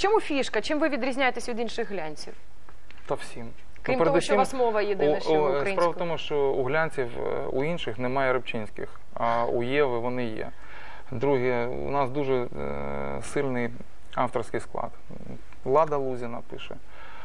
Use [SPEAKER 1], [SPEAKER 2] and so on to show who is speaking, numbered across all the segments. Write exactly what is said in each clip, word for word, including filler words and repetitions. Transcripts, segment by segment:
[SPEAKER 1] чому фішка? Чим ви відрізняєтесь від інших глянців?
[SPEAKER 2] Та всім.
[SPEAKER 1] Крім
[SPEAKER 2] Ну,
[SPEAKER 1] того, що у вас мова єдина,
[SPEAKER 2] о,
[SPEAKER 1] що
[SPEAKER 2] о,
[SPEAKER 1] українською.
[SPEAKER 2] Справа в тому, що у глянців, у інших немає рибчинських, а у Єви вони є. Друге, у нас дуже е, сильний авторський склад. Лада Лузіна пише.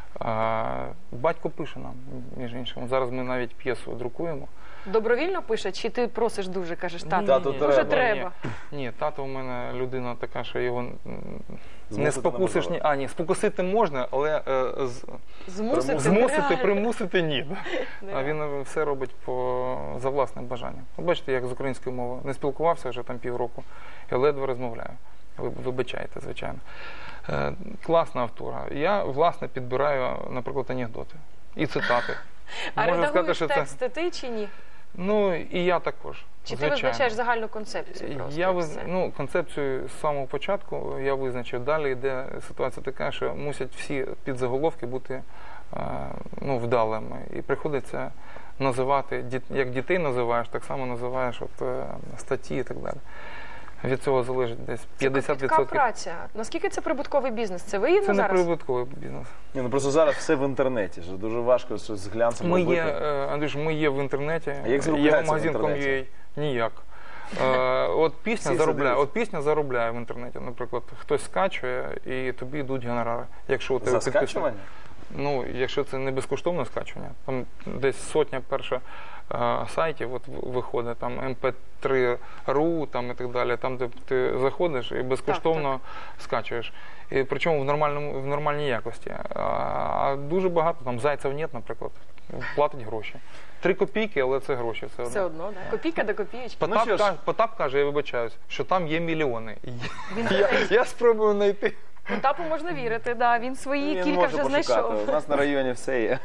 [SPEAKER 2] А, батько пише нам, між іншим. Зараз ми навіть п'єсу друкуємо.
[SPEAKER 1] Добровільно пише, чи ти просиш дуже, кажеш, тато?
[SPEAKER 2] Ні,
[SPEAKER 3] Тату
[SPEAKER 2] ні,
[SPEAKER 1] Дуже
[SPEAKER 3] треба.
[SPEAKER 1] треба.
[SPEAKER 2] Ні, ні, тато у мене людина така, що його м, не
[SPEAKER 3] Змусити
[SPEAKER 2] спокусиш. Ні,
[SPEAKER 3] неможливо.
[SPEAKER 2] а, ні, спокусити можна, але е, з,
[SPEAKER 1] Змусити,
[SPEAKER 2] змусити,
[SPEAKER 1] нереально.
[SPEAKER 2] примусити ні. Да? А
[SPEAKER 1] Нереально.
[SPEAKER 2] він все робить по, за власним бажанням. От бачите, як з українською мовою не спілкувався вже там півроку, я ледве розмовляю. Ви вибачайте, звичайно. Е, класна автора. Я, власне, підбираю, наприклад, анекдоти і цитати.
[SPEAKER 1] А
[SPEAKER 2] Можна
[SPEAKER 1] редагуєш
[SPEAKER 2] сказати, що
[SPEAKER 1] тексти ти чи ні?
[SPEAKER 2] Ну, і я також.
[SPEAKER 1] Чи ти
[SPEAKER 2] звичайно.
[SPEAKER 1] визначаєш загальну концепцію просто?
[SPEAKER 2] Я
[SPEAKER 1] і
[SPEAKER 2] виз...
[SPEAKER 1] все?
[SPEAKER 2] ну, концепцію з самого початку я визначив. Далі йде ситуація така, що мусять всі підзаголовки бути е, ну, вдалими. І приходиться називати, як дітей називаєш, так само називаєш от, е, статті і так далі. Від цього залежить десь п'ятдесят відсотків.
[SPEAKER 1] Це кропітка праця. Наскільки це прибутковий бізнес? Це вигідно
[SPEAKER 2] Це не
[SPEAKER 1] зараз?
[SPEAKER 2] прибутковий бізнес.
[SPEAKER 3] Ні, ну просто зараз все в інтернеті. Ж дуже важко щось з глянцем
[SPEAKER 2] Ми
[SPEAKER 3] робити.
[SPEAKER 2] є, е, Андрюш, ми є в інтернеті.
[SPEAKER 3] А як
[SPEAKER 2] є
[SPEAKER 3] заробляється в
[SPEAKER 2] магазин
[SPEAKER 3] інтернеті?
[SPEAKER 2] .com.ua. Ніяк. Е, от пісня
[SPEAKER 3] Всі
[SPEAKER 2] заробляє,
[SPEAKER 3] задивляться.
[SPEAKER 2] от пісня заробляє в інтернеті. Наприклад, хтось скачує і тобі йдуть гонорари. Якщо у тебе
[SPEAKER 3] За
[SPEAKER 2] підписано.
[SPEAKER 3] скачування?
[SPEAKER 2] Ну, якщо це не безкоштовне скачування, там десь сотня перша е, сайтів от в- виходить, там ем пе три точка ру там, і так далі, там, де ти заходиш і безкоштовно скачуєш. І причому в, нормальному, в нормальній якості. А, а дуже багато, там Зайцев нет, наприклад, платить гроші. Три копійки, але це гроші. Все одно.
[SPEAKER 1] Все одно, да? Копійка до копійки.
[SPEAKER 2] Потап,
[SPEAKER 3] Ну, що ж.
[SPEAKER 2] каже, Потап каже, я вибачаюсь, що там є мільйони. Я, я спробую знайти.
[SPEAKER 1] Потапу можна вірити, да. Він свої
[SPEAKER 3] Він
[SPEAKER 1] кілька
[SPEAKER 3] може
[SPEAKER 1] вже
[SPEAKER 3] пошукати.
[SPEAKER 1] знайшов.
[SPEAKER 3] У нас на районі все є.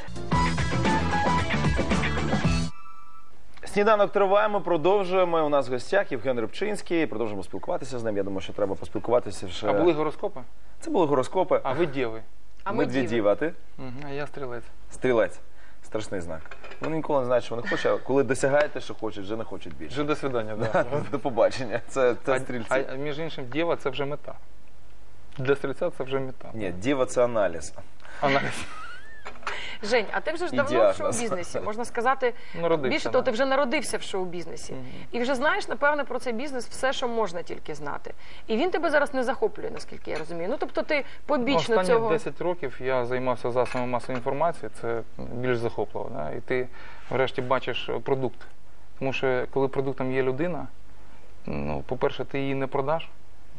[SPEAKER 3] Сніданок триває, ми продовжуємо. У нас в гостях Євген Рибчинський. Продовжуємо спілкуватися з ним. Я думаю, що треба поспілкуватися вже.
[SPEAKER 2] А були гороскопи?
[SPEAKER 3] Це були гороскопи.
[SPEAKER 2] А ви діви?
[SPEAKER 1] А ми
[SPEAKER 3] Ми дві
[SPEAKER 1] діви.
[SPEAKER 3] діви, а ти?
[SPEAKER 2] Угу, а я стрілець.
[SPEAKER 3] Стрілець. Страшний знак. Вони ніколи не знають, що вони хочуть, а коли досягаєте, що хочуть, вже не хочуть більше.
[SPEAKER 2] Вже до свидання, да.
[SPEAKER 3] До побачення. Це, це
[SPEAKER 2] А,
[SPEAKER 3] стрільці.
[SPEAKER 2] а між іншим, дєва – це вже мета. Для стрільця це вже мета.
[SPEAKER 3] Ні, діва – це аналіз.
[SPEAKER 2] Аналіз.
[SPEAKER 1] Жень, а ти вже ж
[SPEAKER 3] І
[SPEAKER 1] давно в
[SPEAKER 3] діагноз.
[SPEAKER 1] шоу-бізнесі, можна сказати,
[SPEAKER 2] Народився,
[SPEAKER 1] більше
[SPEAKER 2] да.
[SPEAKER 1] того, ти вже народився в шоу-бізнесі. І вже знаєш, напевне, про цей бізнес все, що можна тільки знати. І він тебе зараз не захоплює, наскільки я розумію. Ну, тобто ти побічно
[SPEAKER 2] Останні
[SPEAKER 1] цього...
[SPEAKER 2] десять років я займався засобами масової інформації, це більш захопливо. Да? І ти врешті бачиш продукт. Тому що коли продуктом є людина, ну, по-перше, ти її не продаш,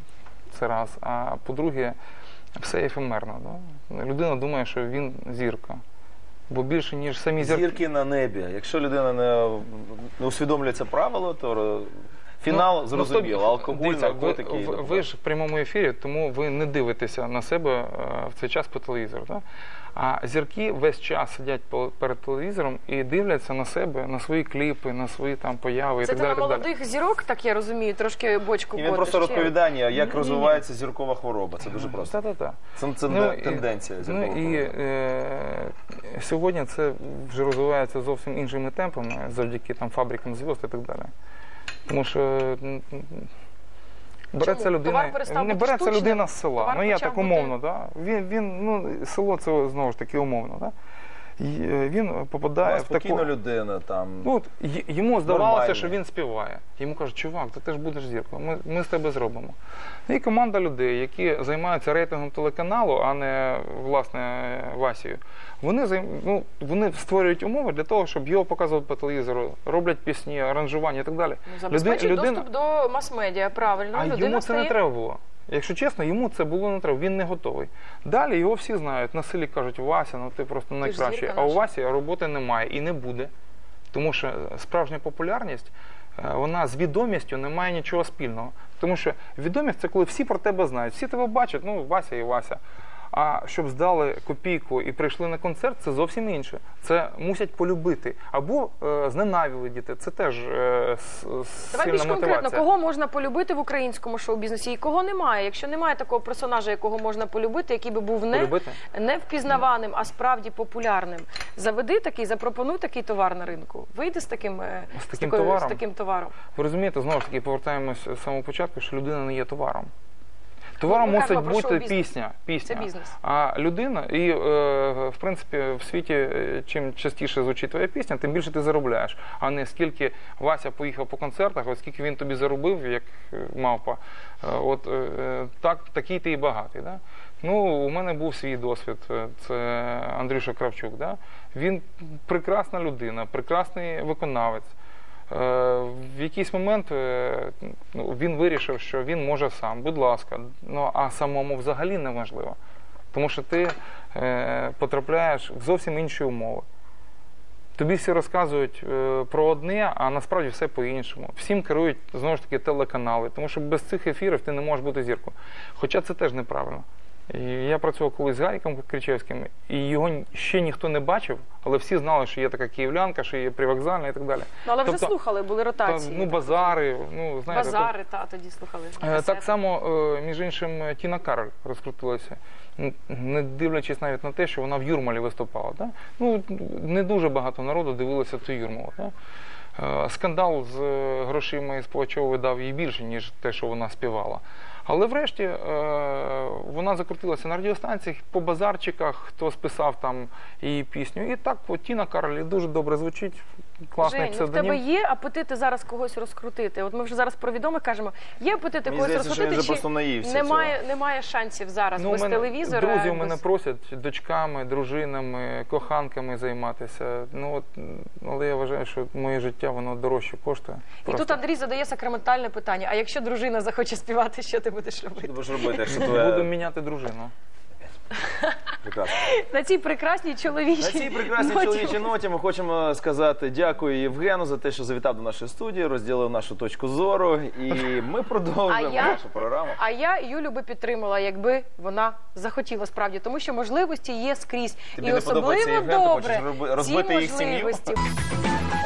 [SPEAKER 2] це раз, а по-друге, все ефемерно. Да? Людина думає, що він зірка. Бо більше, ніж самі зірки.
[SPEAKER 3] Зірки на небі. Якщо людина не, не усвідомлює це правило, то фінал
[SPEAKER 2] Ну,
[SPEAKER 3] зрозуміло.
[SPEAKER 2] ну,
[SPEAKER 3] Алкоголь,
[SPEAKER 2] дивіться,
[SPEAKER 3] наркотики.
[SPEAKER 2] Ви,
[SPEAKER 3] і
[SPEAKER 2] ви,
[SPEAKER 3] так
[SPEAKER 2] ви
[SPEAKER 3] далі.
[SPEAKER 2] ж в прямому ефірі, тому ви не дивитеся на себе е, в цей час по телевізору. Так? А зірки весь час сидять по- перед телевізором і дивляться на себе, на свої кліпи, на свої там появи
[SPEAKER 1] Це
[SPEAKER 2] і
[SPEAKER 1] ти
[SPEAKER 2] так
[SPEAKER 1] на
[SPEAKER 2] далі. так далі.
[SPEAKER 1] молодих зірок, так я розумію, трошки бочку
[SPEAKER 3] І він
[SPEAKER 1] котиш,
[SPEAKER 3] просто
[SPEAKER 1] чи?
[SPEAKER 3] розповідає, як
[SPEAKER 2] Ні-ні.
[SPEAKER 3] розвивається зіркова хвороба. Це дуже просто.
[SPEAKER 2] Та-та-та.
[SPEAKER 3] Це, це
[SPEAKER 2] Ну, і-
[SPEAKER 3] тенденція
[SPEAKER 2] Ну
[SPEAKER 3] зіркової
[SPEAKER 2] і
[SPEAKER 3] хвороби.
[SPEAKER 2] е, сьогодні це вже розвивається зовсім іншими темпами, завдяки там фабрикам зв'язок і так далі. Тому що м, м, береться
[SPEAKER 1] Чому?
[SPEAKER 2] людина,
[SPEAKER 1] Товар перестав
[SPEAKER 2] не
[SPEAKER 1] бути
[SPEAKER 2] береться
[SPEAKER 1] штучним?
[SPEAKER 2] людина з села.
[SPEAKER 1] Товар
[SPEAKER 2] Ну я
[SPEAKER 1] почав
[SPEAKER 2] так
[SPEAKER 1] бути-
[SPEAKER 2] умовно, да? він, він, ну, село це знову ж таки умовно. Да? І, е, він попадає
[SPEAKER 3] Була
[SPEAKER 2] в таку...
[SPEAKER 3] спокійна людина там.
[SPEAKER 2] Ну, от, й- йому здавалося,
[SPEAKER 3] Нормальний.
[SPEAKER 2] що він співає. Йому кажуть, чувак, ти теж будеш зіркою, ми, ми з тебе зробимо. І команда людей, які займаються рейтингом телеканалу, а не, власне, Васією, вони, займ... ну, вони створюють умови для того, щоб його показувати по телевізору, роблять пісні, аранжування і так далі.
[SPEAKER 1] Ну, забезпечує
[SPEAKER 2] Люди-
[SPEAKER 1] доступ до мас-медіа, правильно.
[SPEAKER 2] А
[SPEAKER 1] людина
[SPEAKER 2] йому це
[SPEAKER 1] стає...
[SPEAKER 2] не треба було. Якщо чесно, йому це було не треба, він не готовий. Далі його всі знають, на селі кажуть, Вася, ну ти просто
[SPEAKER 1] ж
[SPEAKER 2] найкращий.
[SPEAKER 1] зірка
[SPEAKER 2] А у
[SPEAKER 1] наша.
[SPEAKER 2] Васі роботи немає і не буде. Тому що справжня популярність, е, вона з відомістю не має нічого спільного. Тому що відомість – це коли всі про тебе знають, всі тебе бачать, ну Вася і Вася. А щоб здали копійку і прийшли на концерт, це зовсім інше. Це мусять полюбити. Або е, зненавидіти. Це теж е, с-
[SPEAKER 1] Давай
[SPEAKER 2] сильна
[SPEAKER 1] більш конкретно,
[SPEAKER 2] мотивація.
[SPEAKER 1] кого можна полюбити в українському шоу-бізнесі і кого немає? Якщо немає такого персонажа, якого можна полюбити, який би був не,
[SPEAKER 2] Полюбити?
[SPEAKER 1] не впізнаваним, а справді популярним, заведи такий, запропонуй такий товар на ринку. Вийди з таким, е,
[SPEAKER 2] З
[SPEAKER 1] з
[SPEAKER 2] таким
[SPEAKER 1] такою-
[SPEAKER 2] товаром?
[SPEAKER 1] з таким товаром.
[SPEAKER 2] Ви розумієте, знову ж таки, повертаємось з самого початку, що людина не є товаром. Твором
[SPEAKER 1] Ми
[SPEAKER 2] мусить
[SPEAKER 1] кажемо про
[SPEAKER 2] бути
[SPEAKER 1] шоу-бізнес.
[SPEAKER 2] пісня, пісня.
[SPEAKER 1] Це бізнес.
[SPEAKER 2] А людина, і е, в принципі в світі, е, чим частіше звучить твоя пісня, тим більше ти заробляєш. А не скільки Вася поїхав по концертах, от скільки він тобі заробив, як е, мавпа. Е, от е, так, такий ти і багатий. Да? Ну, у мене був свій досвід. Це Андрюша Кравчук. Да? Він прекрасна людина, прекрасний виконавець. В якийсь момент він вирішив, що він може сам, будь ласка, ну а самому взагалі неможливо. Тому що ти потрапляєш в зовсім інші умови. Тобі всі розказують про одне, а насправді все по-іншому. Всім керують, знову ж таки, телеканали, тому що без цих ефірів ти не можеш бути зіркою. Хоча це теж неправильно. І я працював колись з Гаріком Кричевським, і його ще ніхто не бачив, але всі знали, що є така київлянка, що є привокзальна і так далі.
[SPEAKER 1] Ну, але вже
[SPEAKER 2] тобто,
[SPEAKER 1] слухали, були ротації.
[SPEAKER 2] Та, ну, базари, ну, знаєте.
[SPEAKER 1] Базари, та, тоді слухали.
[SPEAKER 2] Так, так само, між іншим, Тіна Кароль розкрутилася, не дивлячись навіть на те, що вона в Юрмалі виступала. Да? Ну, не дуже багато народу дивилося цю Юрмалу. Да? Скандал з грошима із Пугачової дав їй більше, ніж те, що вона співала. Але врешті вона закрутилася на радіостанціях, по базарчиках, хто списав там її пісню. І так, от, Тіна Кароль дуже добре звучить, класний
[SPEAKER 1] Жень,
[SPEAKER 2] псевдонім.
[SPEAKER 1] ну в тебе є апетити зараз когось розкрутити? От ми вже зараз про відомих кажемо, є апетити
[SPEAKER 3] Мені
[SPEAKER 1] когось
[SPEAKER 3] здається, що він
[SPEAKER 1] розкрутити,
[SPEAKER 3] вже просто наївся
[SPEAKER 1] немає, немає шансів зараз
[SPEAKER 2] Ну,
[SPEAKER 1] без
[SPEAKER 2] мене,
[SPEAKER 1] телевізора?
[SPEAKER 2] друзі у
[SPEAKER 1] без...
[SPEAKER 2] мене просять дочками, дружинами, коханками займатися. Ну, от, але я вважаю, що моє життя, воно дорожче коштує.
[SPEAKER 1] І
[SPEAKER 2] Просто.
[SPEAKER 1] тут Андрій задає сакраментальне питання, а якщо дружина захоче співати, що ти будеш
[SPEAKER 3] Що ти
[SPEAKER 1] робити?
[SPEAKER 3] будеш робити, якщо
[SPEAKER 2] Буду
[SPEAKER 3] твоя...
[SPEAKER 2] міняти дружину.
[SPEAKER 3] Прекрасно.
[SPEAKER 1] На цій прекрасній чоловічій
[SPEAKER 3] На цій прекрасній
[SPEAKER 1] ноті.
[SPEAKER 3] чоловічій ноті ми хочемо сказати дякую Євгену за те, що завітав до нашої студії, розділив нашу точку зору, і ми продовжуємо
[SPEAKER 1] А я-
[SPEAKER 3] нашу програму.
[SPEAKER 1] А я Юлю би підтримала, якби вона захотіла справді, тому що можливості є скрізь.
[SPEAKER 3] Тобі
[SPEAKER 1] І
[SPEAKER 3] не подобається
[SPEAKER 1] особливо
[SPEAKER 3] Євген, ти
[SPEAKER 1] добре
[SPEAKER 3] хочеш роби-
[SPEAKER 1] ці
[SPEAKER 3] розбити їх сім'ю?
[SPEAKER 1] можливості.